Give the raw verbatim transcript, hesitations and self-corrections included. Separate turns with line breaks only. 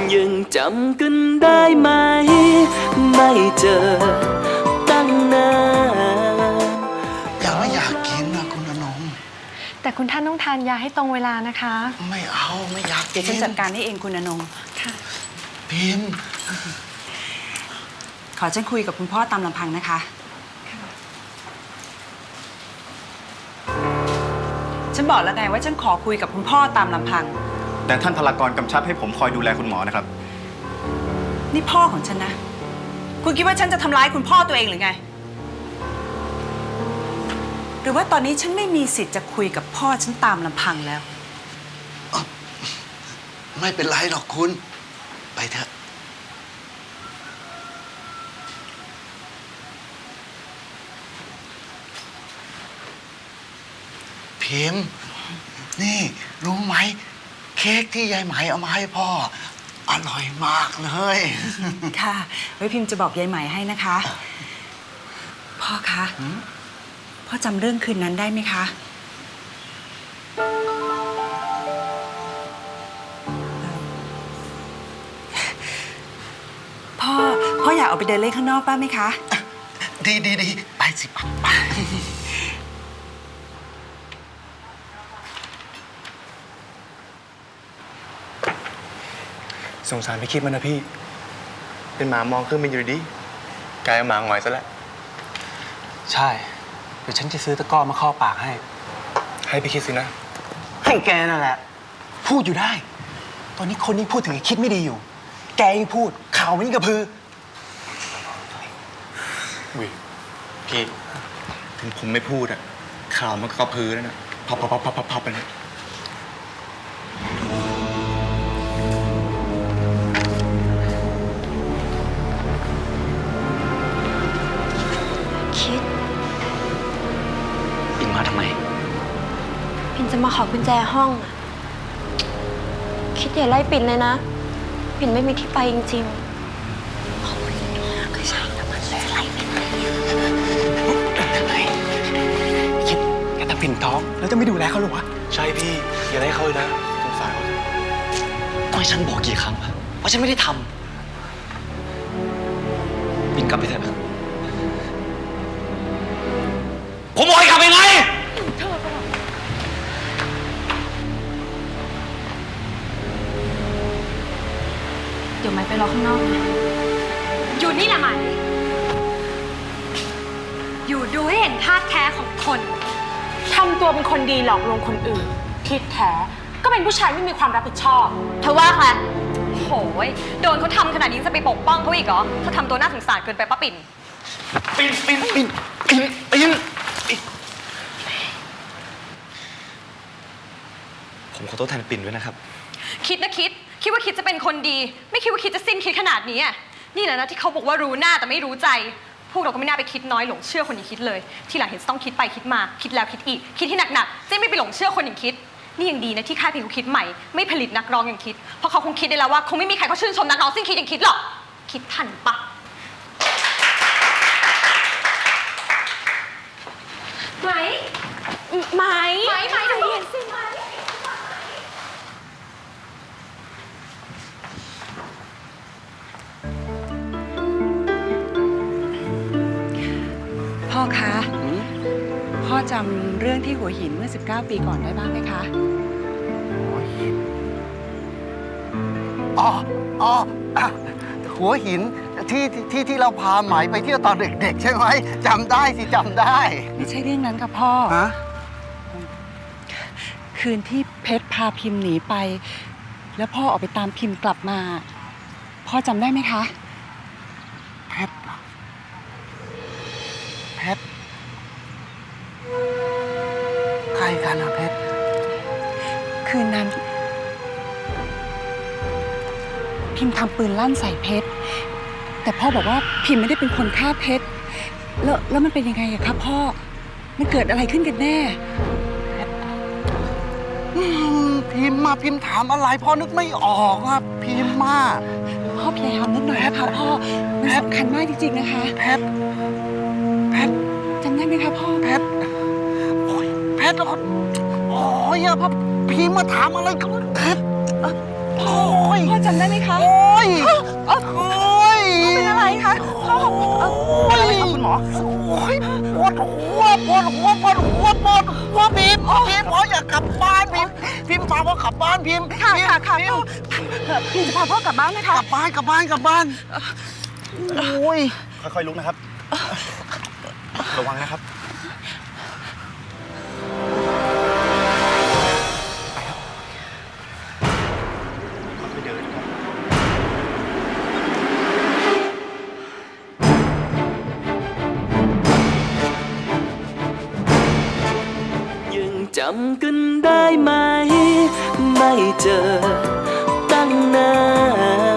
ยังจำกันได้ไหมไม่เจอตั้งนาน
ยังไม่อยากกินนะคุณอนง
แต่คุณท่านต้องทานยาให้ตรงเวลานะคะ
ไม่เอาไม่อยากกิน
เดี๋ยวฉันจัดการให้เองคุณอนงค่ะ
พิมพ์
ขอฉันคุยกับคุณพ่อตามลำพังนะคะฉันบอกแล้วไงว่าฉันขอคุยกับคุณพ่อตามลำพัง
แต่ท่านพลากรกำชับให้ผมคอยดูแลคุณหมอนะครับ
นี่พ่อของฉันนะคุณคิดว่าฉันจะทำร้ายคุณพ่อตัวเองหรือไงหรือว่าตอนนี้ฉันไม่มีสิทธิ์จะคุยกับพ่อฉันตามลำพังแล้ว
ไม่เป็นไรหรอกคุณไปเถอะพิมพ์นี่รู้ไหมเค้กที่ยายไหมเอามาให้พ่ออร่อยมากเลย
ค่ะไว้พิมพ์จะบอกยายไหมให้นะคะพ่อคะพ่อจำเรื่องคืนนั้นได้ไหมคะพ่อพ่ออยากออกไปเดินเล่นข้างนอกบ้างไหมคะ
ดีดีดีไปสิปักป
สงสารพี่คิดมันนะพี่เป็นหมามองขึ้นมาอยู่ดีกลายเป็นหมาหงอยซะแล้ว
ใช่เดี๋ยวฉันจะซื้อตะกร้อมาเข้าปากให้
ให้พี่คิดสินะ
ให้แกนั่นแหละพูดอยู่ได้ตอนนี้คนนี้พูดถึงไอ้คิดไม่ดีอยู่แกยังพูดข่าวมันยิ่งกระพือ
วิพี่ถึงผมไม่พูดอะข่าวมันก็กระพือแล้วนะพับพับพับพับพับไปเลย
คิด
ปิ่นมาทำไม
ปิ่นจะมาขอกุญแจห้องอะคิดอย่าไล่ปิ่นเลยนะปิ่นไม่มีที่ไปจริงๆขอบคุณนะก็ใช่แต่มันจะไล่ปิ่นเลย
ทำไมคิดแกทำปิ่นท้องแล้วจะไม่ดูแลเขาหรอวะ
ใช่พี่อย่าได้เขาเลยนะสงสารเขา
ต้องให้ฉันบอกกี่ครั้งวะว่าฉันไม่ได้ทำปิ่นกลับไปเถอะผมบอกให้กลับไปไง
เดี๋ยวไม้ไปรอข้างนอกนะอยู่นี่แหละไหมอยู่ดูให้เห็นท่าแท้ของคนทำตัวเป็นคนดีหลอกลวงคนอื่นที่แท้ก็เป็นผู้ชายไม่มีความรับผิดชอบเธอว่าใครโหยโดนเขาทำขนาดนี้จะไปปกป้องเขาอีกเหรอเธอทำตัวน่าสงสารเกินไปป้าปิ่น
ปิ่นปิ่นปิ่นปิ่นปิ่นผมขอโทษแทนปิ่นด้วยนะครับ
คิดนะคิดคิดว่าคิดจะเป็นคนดีไม่คิดว่าคิดจะสิ้นคิดขนาดนี้อ่ะนี่แหละนะที่เขาบอกว่ารู้หน้าแต่ไม่รู้ใจพวกเราก็ไม่น่าไปคิดน้อยหลงเชื่อคนอย่างคิดเลยที่หลังเห็นต้องคิดไปคิดมาคิดแล้วคิดอีกคิดที่หนักๆจะไม่ไปหลงเชื่อคนอย่างคิดนี่ยังดีนะที่ค่ายเพลงเขาคิดใหม่ไม่ผลิตนักร้องอย่างคิดเพราะเขาคงคิดได้แล้วว่าคงไม่มีใครเขาชื่นชมนักร้องสิ้นคิดอย่างคิดหรอกคิดทันปะไหมไหมไหมไหมเดี๋ยวเห็นสิไหม
พ่อคะพ่อจำเรื่องที่หัวหินเมื่อสิบเก้าปีก่อนได้บ้างไหมคะ
อ๋ออ๋อหัวหินที่ที่ที่เราพาไหมไปเที่ยวตอนเด็กๆใช่ไหมจำได้สิจำได้
ไม่ใช่เรื่องนั้นค่ะพ่อฮะคืนที่เพชรพาพิมพ์หนีไปแล้วพ่อออกไปตามพิมพ์กลับมาพ่อจำได้ไหมคะ
เพชรเพชรใครกันนะเพชร
คืนนั้นพิมพ์ทำปืนลั่นใส่เพชรแต่พ่อบอกว่าพิมพ์ไม่ได้เป็นคนฆ่าเพชรแล้วแล้วมันเป็นยังไงอะครับพ่อมันเกิดอะไรขึ้นกันแน่
พิมพ์มาพิมพ์ถามอะไรพ่อนึกไม่ออกอะพิมพ์มา
พ่อพยายามนึกหน่อยนะคะพ่อมันสำคัญมากจริงๆนะคะ
เพชรเพชร
จำได้ไหมคะพ่อ
เพชรโอ้ยเพชรโอ้ยอะพ่อพิมพ์มาถามอะไรกันเพชรโอ้ย
พ่อจำได้ไหมคะ
โอ้ย
เอ้า
โอ้ย
เป็นอะไรคะพ่อเอ่อเป็นอะไรคะคุณหมอ
โอ้ยปวดหัวปวดหัวปวดหัวปวดหัวพิมพ์พิมพ์พ่ออยากกลับบ้านพิมพ์พิมพ์พาพ่อกลับบ้านพิมพ์
ค่ะค่ะค่ะ
พิม
พ่อ
พ์
เอ่อพิมจะพาพ่อกลับบ้านนะ
ก
คะ
ลับบ้านกลับบ้านกลับบ้านโอ้ย
ค่อยๆลุกนะครับ ระวังนะครับ ไปครับค่อยๆเดินครับ
ยังจำกันได้ไหม ไม่เจอตั้งนาน